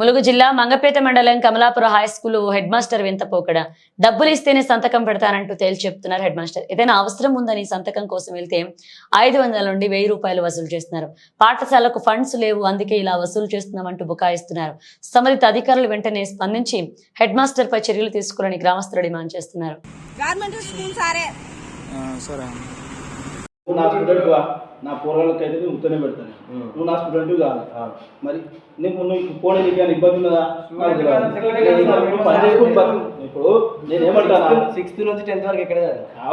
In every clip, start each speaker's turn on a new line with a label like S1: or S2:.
S1: ములుగు జిల్లా మంగపేట మండలం Kamalapuram high school head master వింత పోకడ డబ్బులు ఇస్తేనే సంతకం పెడతానంటూ తేల్చి చెప్తున్నారు హెడ్ మాస్టర్. ఏదైనా అవసరం ఉందని సంతకం కోసం వెళ్తే 500 నుండి 1000 రూపాయలు వసూలు చేస్తున్నారు. పాఠశాలకు ఫండ్స్ లేవు, అందుకే ఇలా వసూలు చేస్తున్నామంటూ బుకాయిస్తున్నారు. సంబంధిత అధికారులు వెంటనే స్పందించి హెడ్ మాస్టర్ పై చర్యలు తీసుకోవాలని గ్రామస్తులు డిమాండ్ చేస్తున్నారు.
S2: నా స్టూడెంట్ నా పూర్వాలకి అయితే నేను ఉత్తనే పెడతాను. నువ్వు నా స్టూడెంట్ కాదు, మరి నీకు పోనీ నీకు ఏమైనా ఇబ్బంది ఉన్నదా? పని చేసుకుని బతుకు. ఇప్పుడు నేను ఏమంటాను,
S3: 6th నుంచి 10th వరకు ఎక్కడ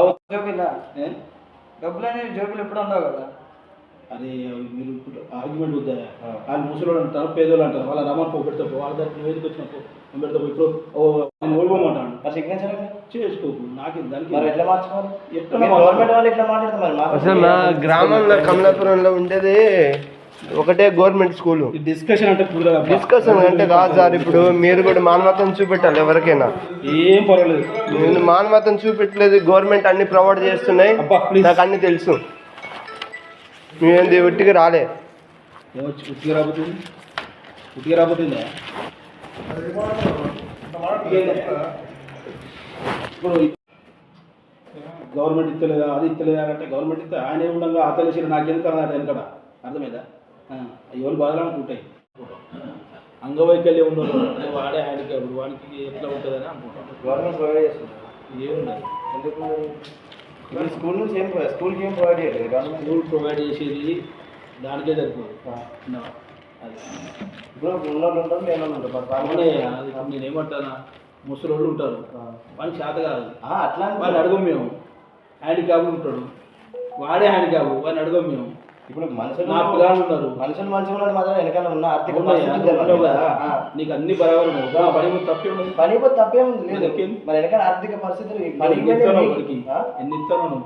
S3: డబ్బులు అనేవి జోబులు ఎప్పుడు ఉండవు కదా.
S2: అది మీరు ఆర్గ్యుమెంట్ వద్దా? వాళ్ళు ముసలోళ్ళు అంటారు, పేదోళ్ళు అంటారు, వాళ్ళ రమ్మని పెడతా వాళ్ళ దగ్గర వేదిక వచ్చినప్పుడు నేను పెడతా. ఇప్పుడు నేను ఓడిపోమంటాను,
S3: సిగ్నేచర్
S2: చేసుకోకు. నాకు దానికి
S3: ఎట్లా మార్చుకోవాలి? గవర్నమెంట్ వాళ్ళు ఎట్లా మాట్లాడతారు?
S4: అసలు మా గ్రామంలో కమలాపురంలో ఉండేది ఒకటే గవర్నమెంట్ స్కూల్.
S2: డిస్కషన్ అంటే
S4: డిస్కషన్ అంటే కాదు సార్. ఇప్పుడు మీరు కూడా మానవతను చూపెట్టాలి ఎవరికైనా.
S2: ఏం పర్వాలేదు,
S4: నేను మానవతను చూపెట్టలేదు. గవర్నమెంట్ అన్ని ప్రొవైడ్ చేస్తున్నాయి, నాకు అన్ని తెలుసు. మేమేంది ఉట్టిగా రాలే.
S2: ఉట్టిగా రాబోతుందా? ఇప్పుడు గవర్నమెంట్ ఇస్తలేదా, అది ఇస్తలేదా అంటే గవర్నమెంట్ ఇస్తే ఆయన ఉండగా ఆ తెలిసిన నాకు ఎందుకు అన్నట్టు వెనకడ అర్థమైందా? ఎవరు బాధలు అనుకుంటాయి. అంగవైకల్యం ఉండదు, వాడే ఆయనకి అప్పుడు వానికి ఎట్లా ఉంటుందని అనుకుంటాం.
S3: గవర్నమెంట్ ప్రొవైడ్ చేస్తుంది,
S2: ఏముండదు.
S3: ఎందుకు స్కూల్ నుంచి స్కూల్కి ఏం ప్రొవైడ్ చేయలేదు. గవర్నమెంట్
S2: స్కూల్ ప్రొవైడ్ చేసేది దానికే సరిపోదు. అది
S3: ఇప్పుడు ఉన్నోళ్ళు ఉంటారు, లేని ఉంటారు.
S2: అది నేను ఏమంటానా, ముసలోళ్ళు ఉంటారు, వాళ్ళకి చేత కాదు.
S3: అట్లా
S2: వాళ్ళు అడగం మేము. హ్యాండిక్యాప్ ఉంటాడు, వాడే హ్యాండిక్యాప్, వాడిని అడగం మేము.
S3: ఇప్పుడు మనుషులు
S2: నా పిల్లలు ఉన్నారు,
S3: మనుషులు మంచిగా ఉన్నది మాత్రం వెనకాల ఉన్న ఆర్థిక
S2: నీకు అన్ని బరాబర్ ఉన్నాయి. పని తప్పే ఉంది,
S3: పని తప్పేముంది లేదు. మరి వెనకాల ఆర్థిక పరిస్థితులు
S2: ఎన్ని ఇస్తాను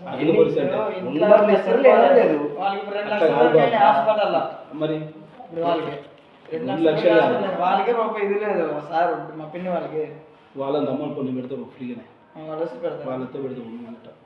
S2: మరి 2 లక్షలు
S3: వాళ్ళకే రూపాయి ఇది లేదు సార్. మా పిన్ని వాళ్ళకి
S2: వాళ్ళని దమ్మని కొన్ని పెడతారు ఫ్రీగానే,
S3: వాళ్ళతో
S2: పెడతాం.